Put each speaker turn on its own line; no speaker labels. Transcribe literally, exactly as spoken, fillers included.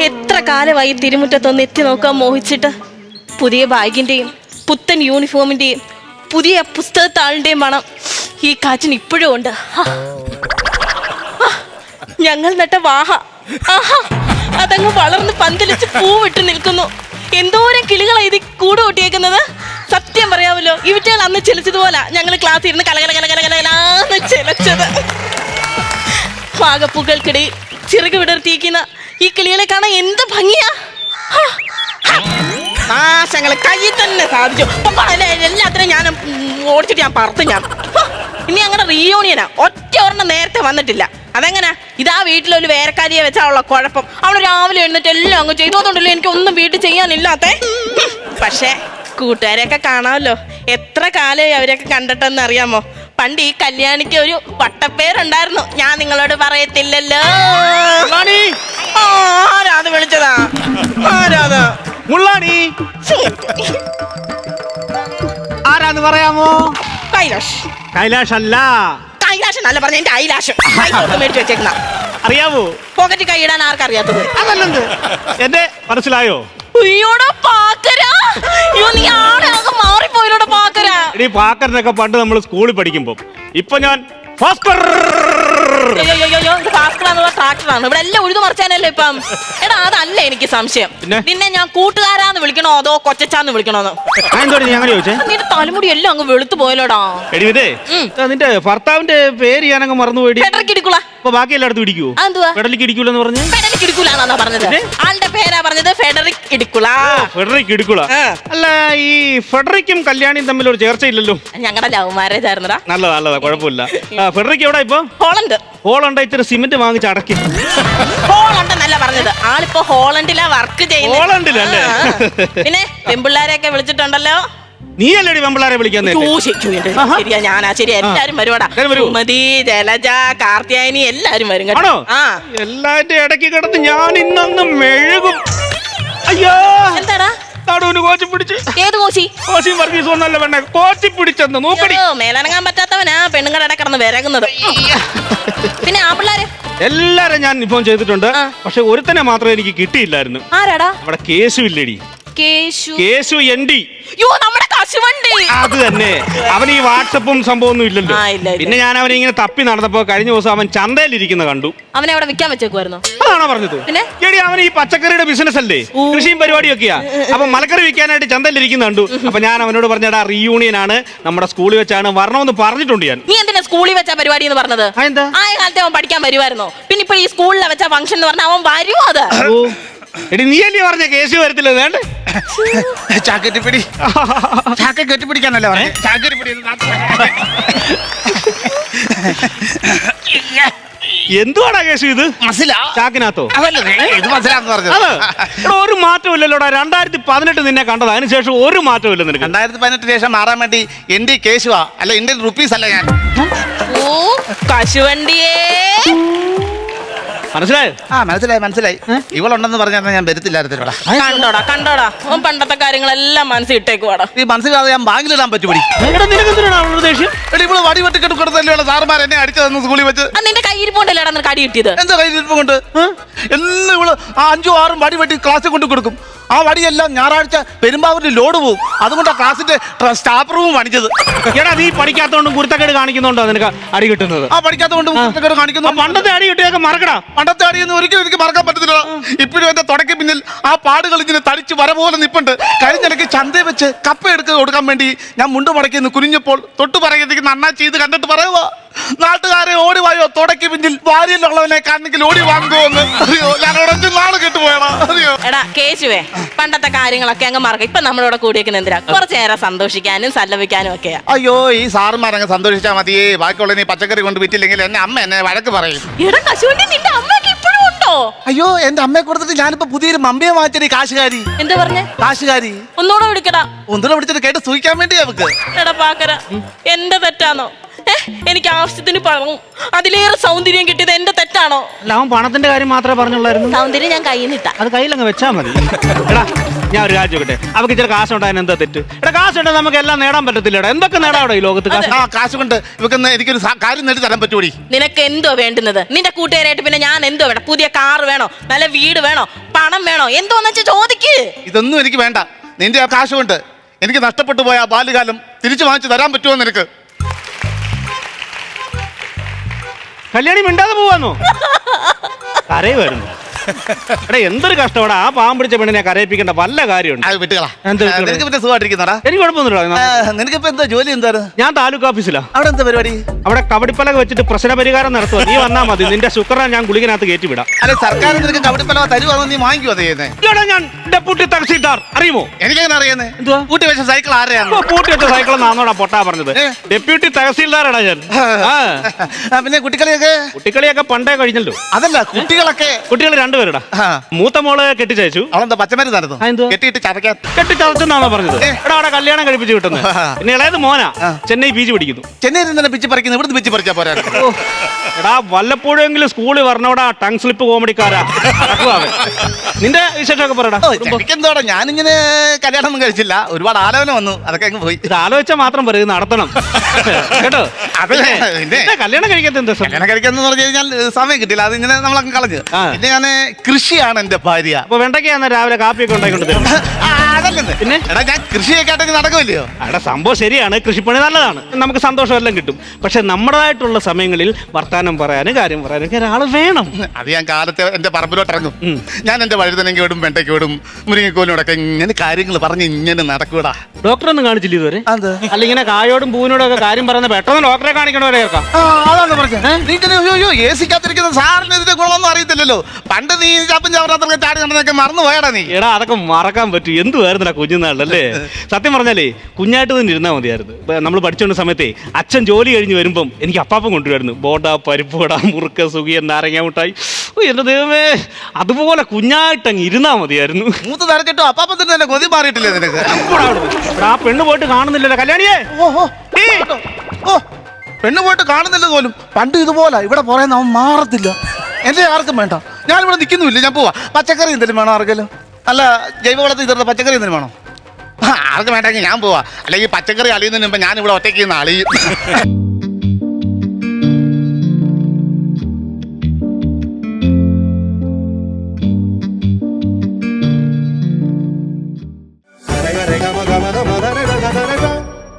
എത്ര കാലമായി തിരുമുറ്റത്തൊന്ന് എത്തി നോക്കാൻ മോഹിച്ചിട്ട്. പുതിയ ബാഗിന്റെയും പുത്തൻ യൂണിഫോമിന്റെയും പുതിയ പുസ്തകത്താളിന്റെയും മണം ഈ കാറ്റിന് ഇപ്പോഴും ഉണ്ട്. ഞങ്ങൾ നട്ട വാഹ ആഹാ അതങ്ങ് വളർന്ന് പന്തലിച്ച് പൂവിട്ട് നിൽക്കുന്നു. എന്തോരം കിളികളാണ് ഇത് കൂട് കൂട്ടിയേക്കുന്നത്. സത്യം പറയാമല്ലോ, ഇവറ്റകൾ അന്ന് ചെലിച്ചതുപോലെ ഞങ്ങൾ ക്ലാസ്സിൽ ഇരുന്ന് കലകല കലകല കലകലാന്ന് ചെലച്ചത്. പാകപ്പൂക്കൾക്കിടയിൽ ചിറക് വിടർത്തിയിരിക്കുന്ന ഈ കിളികളെ കാണാൻ എന്ത് ഭംഗിയാ. നാശങ്ങളെ കയ്യിൽ തന്നെ സാധിച്ചു. എല്ലാത്തിനും ഞാൻ ഓടിച്ചിട്ട് ഞാൻ പറത്തു. ഞാൻ ഇനി അങ്ങനെ റീയൂണിയനാ. ഒറ്റ ഒരെണ്ണം നേരത്തെ വന്നിട്ടില്ല. അതെങ്ങനെ? ഇതാ വീട്ടിലൊരു വേരക്കാരിയെ വെച്ചാലുള്ള കുഴപ്പം. അവള് രാവിലെ എഴുന്നിട്ട് എല്ലാം അങ്ങ് ചെയ്തോന്നുണ്ടല്ലോ. എനിക്കൊന്നും വീട്ടിൽ ചെയ്യാനില്ലാത്തേ. പക്ഷേ കൂട്ടുകാരെയൊക്കെ കാണാമല്ലോ. എത്ര കാലമായി അവരൊക്കെ കണ്ടിട്ടെന്ന് അറിയാമോ? പണ്ട് ഈ കല്യാണിക്ക് ഒരു വട്ടപ്പേരുണ്ടായിരുന്നു. ഞാൻ നിങ്ങളോട് പറയത്തില്ലല്ലോ. ആരാത് വിളിച്ചതാ? ആരാത്?
മുള്ളാണി ആരാന്ന് പറയാമോ?
കൈലാഷ്.
കൈലാഷ് അല്ല.
കൈലാഷ് അല്ല പറഞ്ഞ എന്റെ ഐലാഷ് മേടിച്ചു വെച്ചേക്കുന്ന.
അറിയാവോ?
പോക്കറ്റ് കൈയിടാൻ ആർക്കറിയാത്തത്?
അതല്ലെന്ത് എന്റെ മനസ്സിലായോ?
അയ്യോടാ പാക്കരാ. അയ്യോ നീ ആടെ അങ്ങ് മാറിപ്പോയിലോടാ പാക്കരാ.
ഈ പാക്കറിനൊക്കെ പണ്ട് നമ്മൾ സ്കൂളിൽ പഠിക്കുമ്പോ, ഇപ്പൊ ഞാൻ ഭാസ്കർ.
ട്രാക്ടറാണ് ഇവിടെ എല്ലാം ഉഴുതു മറിച്ചാനല്ലേ ഇപ്പം. എടാ അതല്ല എനിക്ക് സംശയം. നിന്നെ ഞാൻ കൂട്ടുകാരാന്ന് വിളിക്കണോ അതോ കൊച്ചാന്ന് വിളിക്കണോന്ന്?
അങ്ങനെ ചോദിച്ചേ.
നിന്റെ തലമുടി എല്ലാം അങ്ങ് വെളുത്തു പോയല്ലോടാ.
എടിവിതേ, നിന്റെ ഭർത്താവിന്റെ പേര് ഞാനങ്ങ് മറന്നുപോയി.
ഫെഡറിക് ഇടിക്കുള.
അപ്പൊ ബാക്കി എല്ലായിടത്തും ഇടിക്കുവോ?
ഫെഡറിക്
ഇടിക്കൂലെന്ന് പറഞ്ഞു.
ഫെഡറിക് ഇടിക്കുലാന്നാ പറഞ്ഞത്. ആളുടെ പേരാ പറഞ്ഞത് ഫെഡറിക് ഇടിക്കുള.
ഫെഡറിക് ഇടിക്കുള. അല്ല, ഈ ഫെഡറിക്കും കല്യാണിയും തമ്മിൽ ഒരു ചേർച്ചയില്ലല്ലോ.
ഞങ്ങളുടെ ലവ് മാരേജ് ആയിരുന്നടാ.
നല്ലതാ നല്ലതാ, കുഴപ്പമില്ല. ഫെഡറിക് എവിടെ ഇപ്പൊ?
ഹോളണ്ട്.
ഹോളണ്ട് ഇത്തിരി സിമെന്റ് വാങ്ങിച്ച് അടക്കി.
ഹോളണ്ടെന്നല്ല പറഞ്ഞത്. ആളിപ്പോ ഹോളണ്ടിലാ വർക്ക് ചെയ്യുന്നത്.
ഹോളണ്ടിലല്ലേ?
പിന്നെ പെമ്പിള്ളാരെയൊക്കെ വിളിച്ചിട്ടുണ്ടല്ലോ.
നീ അല്ലേടി പെമ്പിള്ളാരെ വിളിക്കാൻ?
ശരിയാ, ഞാനാ. ശരിയാ, എല്ലാരും വരുവാടാ. സുമതി, ജലജ, കാർത്തിയായനി എല്ലാരും വരും കേട്ടോ.
എല്ലാന്റെ ഇടയ്ക്ക് കിടന്ന് ഞാൻ ഇന്നൊന്ന് മെഴുകും. അയ്യോ,
എന്താടാ
നടുവിന് കോച്ചി പിടിച്ച്.
ഏത് കോച്ചി?
കോച്ചി വർഗീസ് ഒന്നല്ല പെണ്ണെ, കോച്ചി പിടിച്ചെന്ന് നോക്കടി.
മേലനങ്ങാൻ പറ്റാത്തവനാ പെണ്ണുങ്ങളുടെ ഇട കിടന്ന് വിരകുന്നത്. പിന്നെ ആ പിള്ളേര്
എല്ലാരും ഞാൻ ഇൻഫോം ചെയ്തിട്ടുണ്ട്. പക്ഷെ ഒരുത്തനെ മാത്രമേ എനിക്ക് കിട്ടിയില്ലായിരുന്നു.
ആരാടാ?
അവിടെ കേശു ഇല്ലേടി.
കേശു?
കേശു എൻഡി.
നമ്മുടെ കശുവണ്ടി.
അത് തന്നെ. അവൻ ഈ വാട്സപ്പും സംഭവമൊന്നും ഇല്ലല്ലോ. പിന്നെ ഞാൻ അവനെ ഇങ്ങനെ തപ്പി നടന്നപ്പോ കഴിഞ്ഞ ദിവസം അവൻ ചന്തയിലിരിക്കുന്ന കണ്ടു.
അവനെ അവിടെ വിൽക്കാൻ വെച്ചേക്കുവായിരുന്നു.
അതാണോ പറഞ്ഞത്? എടി, അവൻ ഈ പച്ചക്കറിയുടെ ബിസിനസ് അല്ലേ, കൃഷിയും പരിപാടിയൊക്കെയാ. അപ്പൊ മലക്കറി വിൽക്കാനായിട്ട് ചന്തയിലിരിക്കുന്ന കണ്ടു. അപ്പൊ ഞാൻ അവനോട് പറഞ്ഞടാ, റീയൂണിയൻ ആണ്, നമ്മുടെ സ്കൂളിൽ വെച്ചാണ്, വരണമെന്ന് പറഞ്ഞിട്ടുണ്ട് ഞാൻ.
നീ എന്തിനാ സ്കൂളിൽ വെച്ച പരിപാടി എന്ന് പറഞ്ഞത്? ആ കാലത്തെ അവൻ പഠിക്കാൻ വരുമായിരുന്നോ? പിന്നെ ഇപ്പൊ ഈ സ്കൂളിൽ വെച്ച ഫംഗ്ഷൻ എന്ന് പറഞ്ഞാൽ അവൻ വരുമോ? അത്
എടി, നീ അല്ലേ പറഞ്ഞ കേസ് വരത്തില്ല? വേണ്ട
ചാക്കറ്റ് പിടി. ചാക്ക കെട്ടിപ്പിടിക്കാനല്ലേ പറഞ്ഞേ? ചാക്കറ്റ് പിടി.
എന്തുവാടാ കേസ് ഇത്? ചാക്കിനകത്തോ?
ഇത് മനസ്സിലാന്ന് പറഞ്ഞത്.
ഒരു മാറ്റവും ഇല്ലല്ലോടാ. രണ്ടായിരത്തി പതിനെട്ട് നിന്നെ കണ്ടത്, അതിനുശേഷം ഒരു മാറ്റവും ഇല്ല നിനക്ക്.
രണ്ടായിരത്തി പതിനെട്ടിന് ശേഷം മാറാൻ വേണ്ടി എന്റെ കേശുവാ, അല്ല ഇന്ത്യൻ റുപ്പീസ് അല്ല ഞാൻ.
ഓ കശുവണ്ടിയേ,
മനസ്സിലായോ?
ആ മനസ്സിലായി മനസ്സിലായി. ഇവളുണ്ടെന്ന് പറഞ്ഞാൽ ഞാൻ വരത്തില്ലായിരുന്നോടാ.
കണ്ടോടാ കണ്ടോടാ, ഓൻ പണ്ടത്തെ കാര്യങ്ങളെല്ലാം മനസ്സിൽ ഇട്ടേക്കുവാടാ.
ഈ മനസ്സിലാതെ ഞാൻ ബാങ്കിലിടാൻ പറ്റുപടി.
ഇവള്
വടി വെട്ടിക്കെട്ട് കൊടുത്തല്ലേ സാറുമാർ എന്നെ അടിച്ചതെന്ന് സ്കൂളിൽ വെച്ച്.
നിന്റെ കയ്യിരിപ്പോണ്ടല്ലേടാ നിനക്ക് അടി കിട്ടിയത്?
എന്താ കയ്യിരിപ്പം കൊണ്ട്? എല്ലാം ഇവള് ആ അഞ്ചും ആറും വടി വെട്ടി ക്ലാസ്സിൽ കൊണ്ട് കൊടുക്കും. ആ വടിയെല്ലാം ഞായറാഴ്ച പെരുമ്പാവൂരിൽ ലോഡ് പോകും. അതുകൊണ്ടാണ് ക്ലാസിന്റെ സ്റ്റാഫ് റൂം പണിച്ചത്.
എടാ, നീ പഠിക്കാത്തോണ്ടും കുരുത്തക്കേട് കാണിക്കുന്നുണ്ടോ നിനക്ക് അടി കിട്ടുന്നത്?
ആ പഠിക്കാത്തോണ്ട് കുരുത്തക്കേട് കാണിക്കുന്നു.
പണ്ടത്തെ അടി കിട്ടിയൊക്കെ മറക്കടാ.
പണ്ടത്തെ അടിയൊന്നും ഒരിക്കലും എനിക്ക് മറക്കാൻ പറ്റത്തില്ല. ഇപ്പോഴും എന്റെ തുടക്കി പിന്നിൽ ആ പാടുകൾ ഇങ്ങനെ തടിച്ച് വര പോലെ നിപ്പുണ്ട്. കഴിഞ്ഞിടയ്ക്ക് ചന്തയിൽ വെച്ച് കപ്പ എടുത്ത് കൊടുക്കാൻ വേണ്ടി ഞാൻ മുണ്ട് മടക്കി കുനിഞ്ഞപ്പോൾ തൊട്ട് പറയുന്നതിന് നന്നാ ചെയ്ത് കണ്ടിട്ട് പറയുക, നാട്ടുകാരെ ഓടി വായോ, തുടക്കി പിന്നിൽ വാരിയിലുള്ളവനെ കാണെങ്കിൽ ഓടി വാങ്ങുമോന്ന്. അറിയോ, ഞാൻ ഉടച്ചു നാളെ കെട്ടുപോയടാ. അറിയോ
എടാ കേശുവേ, പണ്ടത്തെ കാര്യങ്ങളൊക്കെ അങ്ങ് മറക്കാം. ഇപ്പൊ നമ്മളിവിടെ കൂടിയേക്കുന്ന എന്തിനാ? കുറച്ചു നേരം സന്തോഷിക്കാനും സല്ലപിക്കാനും ഒക്കെയാ.
അയ്യോ, ഈ സാറുമാരങ്ങ് സന്തോഷിച്ചാൽ മതിയേ. ബാക്കിയുള്ള നീ പച്ചക്കറി കൊണ്ട് വിറ്റില്ലെങ്കിൽ എന്നെ അമ്മ എന്നെ വഴക്ക് പറയും.
എടാ കശുവണ്ടി നിന്റെ അമ്മക്ക് ഇപ്പോഴും ഉണ്ടോ?
അയ്യോ, എന്റെ അമ്മയെ കൊടുത്തിട്ട് ഞാനിപ്പോ പുതിയൊരു മമ്മിയെ വാങ്ങിച്ചടി. കാശുകാരി.
എന്താ പറഞ്ഞേ?
കാശുകാരി.
ഒന്നുകൂടെ വിളിക്കടാ.
ഒന്നുകൂടെ വിളിച്ചിട്ട് കേട്ട് സൂഹിക്കാൻ വേണ്ടി അവക്ക്.
എടാ പാക്കര, എന്റെ തെറ്റാണോ? ഏ എനിക്ക് ആവശ്യത്തിന് പണം അതിലേറെ സൗന്ദര്യം കിട്ടിയത് എന്റെ തെറ്റാണോ?
അല്ല അവൻ പണത്തിന്റെ കാര്യം മാത്രമേ പറഞ്ഞുള്ളായിരുന്നു.
സൗന്ദര്യം ഞാൻ കയ്യിൽ നിന്നിട്ട
അത് കയ്യിലങ്ങ് വെച്ചാ മതി. എടാ ഞാൻ ഒരു കാര്യം ചോദിക്കട്ടെ, അവർക്ക് ഇച്ചിരി കാശുണ്ടായാൽ എന്താ തെറ്റ്? എടാ കാശുണ്ടെങ്കിൽ നമുക്ക് എല്ലാം നേടാൻ പറ്റത്തില്ലടാ. എന്തൊക്കെ നേടാവിടെ ഈ ലോകത്ത്? കാശ്
ആ കാശ് കൊണ്ട് ഇവക്കൊന്ന് എനിക്കൊരു സ- കാര്യം നേടി തരാൻ പറ്റുമോടി?
നിനക്ക് എന്തോ വേണ്ടുന്നത്? നിന്റെ കൂട്ടുകാരായിട്ട് പിന്നെ ഞാൻ എന്തോ വേണം? പുതിയ കാർ വേണോ? നല്ല വീട് വേണോ? പണം വേണോ? എന്തോന്ന് വെച്ചാൽ ചോദിക്ക്.
ഇതൊന്നും എനിക്ക് വേണ്ട. നിന്റെ ആ കാശ് കൊണ്ട് എനിക്ക് നഷ്ടപ്പെട്ടു പോയ ആ ബാല്യകാലം തിരിച്ചു വാങ്ങിച്ചു തരാൻ പറ്റുമോ നിനക്ക്?
കല്യാണി മിണ്ടാതെ പോവാന്നോ? കരയുമായിരുന്നു. എടാ എന്തൊരു കഷ്ടപ്പെടാ ആ പാവം പിടിച്ച പെണ്ണിനെ കരയിപ്പിക്കേണ്ട വല്ല കാര്യമുണ്ട്?
അത് വിട്ടുകളാ.
എന്ത് വിട്ടുകള?
നിനക്ക് പിന്നെ സുഖമായിട്ടിരിക്കുന്നടാ?
എനിക്ക് കുഴപ്പമൊന്നുമില്ല.
നിനക്കിപ്പോ എന്താ ജോലി? എന്താണ്?
ഞാൻ താലൂക്ക് ഓഫീസിലാ.
അവിടെ എന്താ പരിപാടി?
അവിടെ കബഡിപ്പലക വെച്ചിട്ട് പ്രശ്ന പരിഹാരം നടത്തുക. നീ വന്നാ മതി. നിന്റെ ശുക്രനെ ഞാൻ ഗുളികനകത്ത് കയറ്റി വിടാം.
അല്ലെ സർക്കാർ നിനക്ക് കബഡിപ്പലവ തരുവാണോ? നീ വാങ്ങിക്കുവോ ചെയ്യുന്നത്?
എടാ ഞാൻ ഡെപ്യൂട്ടി തഹസീൽദാർ അറിയുമോ?
എനിക്കെങ്ങനെ അറിയുന്നേ?
എന്തുവാ?
കൂട്ടി വെച്ച സൈക്കിൾ ആരെയാണ്?
ഇപ്പൊ പൂട്ടി വെച്ച സൈക്കിൾ നാന്നോടാ പൊട്ടാ പറഞ്ഞത്.
ഏ?
ഡെപ്യൂട്ടി തഹസീൽദാറാടാ ഞാൻ. ആ
ആ, പിന്നെ കുട്ടിക്കളിയൊക്കെ?
കുട്ടിക്കളിയൊക്കെ പണ്ടേ കഴിഞ്ഞല്ലോ.
അതല്ല കുട്ടികളൊക്കെ.
കുട്ടികൾ രണ്ടുപേരടാ.
ആ.
മൂത്ത മോള് കെട്ടിച്ചയച്ചു.
അവളെന്താ പച്ചമരുന്ന് നടന്നു?
ആ, എന്തുവാ?
കെട്ടിയിട്ട് ചതക്കാൻ.
കെട്ടിച്ചതച്ചെന്നാണോ പറഞ്ഞത്?
ഏ.
എടാ അവിടെ കല്യാണം കഴിപ്പിച്ച് കിട്ടുന്നത്. പിന്നെ ഇളയത് മോനാ
ആ.
ചെന്നൈ പി ജി പഠിക്കുന്നു.
ചെന്നൈയിൽ നിന്ന് പിച്ച് പറിക്കുന്നു, ഇവിടുന്ന് പിച്ച് പറിച്ചാ പോരാ?
ഓ, എടാ വല്ലപ്പോഴെങ്കിലും സ്കൂളിൽ വരണോടാ ടങ് സ്ലിപ്പ് കോമഡിക്കാരാ. നടക്കുവാ അവൻ. നിന്റെ വിശേഷമൊക്കെ പറയടാ.
എനിക്കെന്തോടാ, ഞാനിങ്ങനെ കല്യാണം ഒന്നും കഴിച്ചില്ല. ഒരുപാട് ആലോചന വന്നു, അതൊക്കെ അങ്ങ് പോയി.
ഇത് ആലോചിച്ചാൽ മാത്രം പറയും നടത്തണം കേട്ടോ.
അതല്ലേ, പിന്നെ.
പിന്നെ കല്യാണം കഴിക്കാത്ത എന്താ സം-
കല്യാണം കഴിക്കാന്ന് പറഞ്ഞു കഴിഞ്ഞാൽ സമയം കിട്ടില്ല, അത് ഇങ്ങനെ നമ്മളങ്ങ് കളഞ്ഞു.
ആ.
പിന്നെ ഞാൻ കൃഷിയാണ് എന്റെ ഭാര്യ.
അപ്പൊ വെണ്ടയ്ക്കാന്ന് രാവിലെ കാപ്പിയൊക്കെ ഉണ്ടായിക്കൊണ്ട് തരും.
ആ, അതല്ലെന്ന്.
പിന്നെ?
എടാ ഞാൻ കൃഷിയൊക്കെ ആയിട്ടൊക്കെ നടക്കുമല്ലയോ?
അവിടെ സംഭവം ശരിയാണ്, കൃഷിപ്പണി നല്ലതാണ്, നമുക്ക് സന്തോഷമെല്ലാം കിട്ടും. പക്ഷെ നമ്മുടേതായിട്ടുള്ള സമയങ്ങളിൽ വർത്താനം പറയാനും കാര്യം പറയാനും ഒക്കെ ഒരാൾ വേണം.
അത് ഞാൻ കാലത്തെ എന്റെ പറമ്പിലോട്ട് ഇറങ്ങും.
ഉം.
ഞാൻ എന്റെ വഴുതനങ്ങ വിടും, വെണ്ടയ്ക്ക് വിടും, മുരിങ്ങക്കോലിനോടൊക്കെ ഇങ്ങനെ കാര്യങ്ങൾ പറഞ്ഞ് ഇങ്ങനെ നടക്കൂടാ.
ഡോക്ടറൊന്നും കാണിച്ചില്ല ഇതുവരെ?
അത്
അല്ല ഇങ്ങനെ കായോടും പൂവിനോടും ഒക്കെ കാര്യം പറയുന്ന പെട്ടെന്ന് ഡോക്ടറെ കാണിക്കണവരെ കേൾക്കാം.
ആ, അതാണ് പറഞ്ഞത്. നീ ഇങ്ങനെ അയ്യോ എ സിക്കകത്തിരിക്കുന്ന സാറിന് ഇതിന്റെ ഗുണമൊന്നും അറിയത്തില്ലല്ലോ. പണ്ട് നീ ചപ്പും ചവറാത്തൊക്കെ ചാടി നടന്നൊക്കെ മറന്നു പോയടാ നീ.
എടാ അതൊക്കെ മറക്കാൻ പറ്റും. എന്തുവായിരുന്നടാ കുഞ്ഞുനാളിലല്ലേ? സത്യം പറഞ്ഞാലേ കുഞ്ഞായിട്ട് തന്നെ ഇരുന്നാൽ മതിയായിരുന്നു. നമ്മൾ പഠിച്ചുകൊണ്ട സമയത്തെ അച്ഛൻ ജോലി കഴിഞ്ഞ് വരുമ്പം എനിക്ക് അപ്പാപ്പം കൊണ്ടുവരുന്നു. ബോണ്ട, പരിപ്പ് വട, മുറുക്ക, സുഖിയൻ, നാരങ്ങ മുട്ടായി. ഓ എന്റെ ദൈവമേ, അതുപോലെ കുഞ്ഞായിട്ടങ്ങ് ഇരുന്നാ മതിയായിരുന്നു.
മൂത്ത് തരച്ചിട്ടോ അപ്പാപ്പത്തിന് തന്നെ കൊതി മാറിയിട്ടില്ലേ നിനക്ക്?
എപ്പോഴാ അവിടുന്ന്? എടാ, ആ പെണ്ണ് പോയിട്ട് കാണുന്നില്ലല്ലോ. കല്യാണിയേ
ഓ ഓ
ഏ,
ഓ പെണ്ണ് പോയിട്ട് കാണുന്നില്ല പോലും. പണ്ട് ഇതുപോലെ ഇവിടെ പറയുന്ന അവൻ മാറത്തില്ല. എന്റെ ആർക്കും വേണ്ട, ഞാനിവിടെ നിൽക്കുന്നുമില്ല, ഞാൻ പോവാ. പച്ചക്കറി എന്തെങ്കിലും വേണോ ആർക്കെങ്കിലും? അല്ല ജൈവവളത്തിൽ തീർന്ന പച്ചക്കറി എന്തെങ്കിലും വേണോ? ആ, ആർക്കും വേണ്ടെങ്കിൽ ഞാൻ പോവാ. അല്ലെങ്കിൽ പച്ചക്കറി അളിയുന്നതിന് മുമ്പ് ഞാൻ ഇവിടെ ഒറ്റയ്ക്ക് നിന്ന് അളിയും.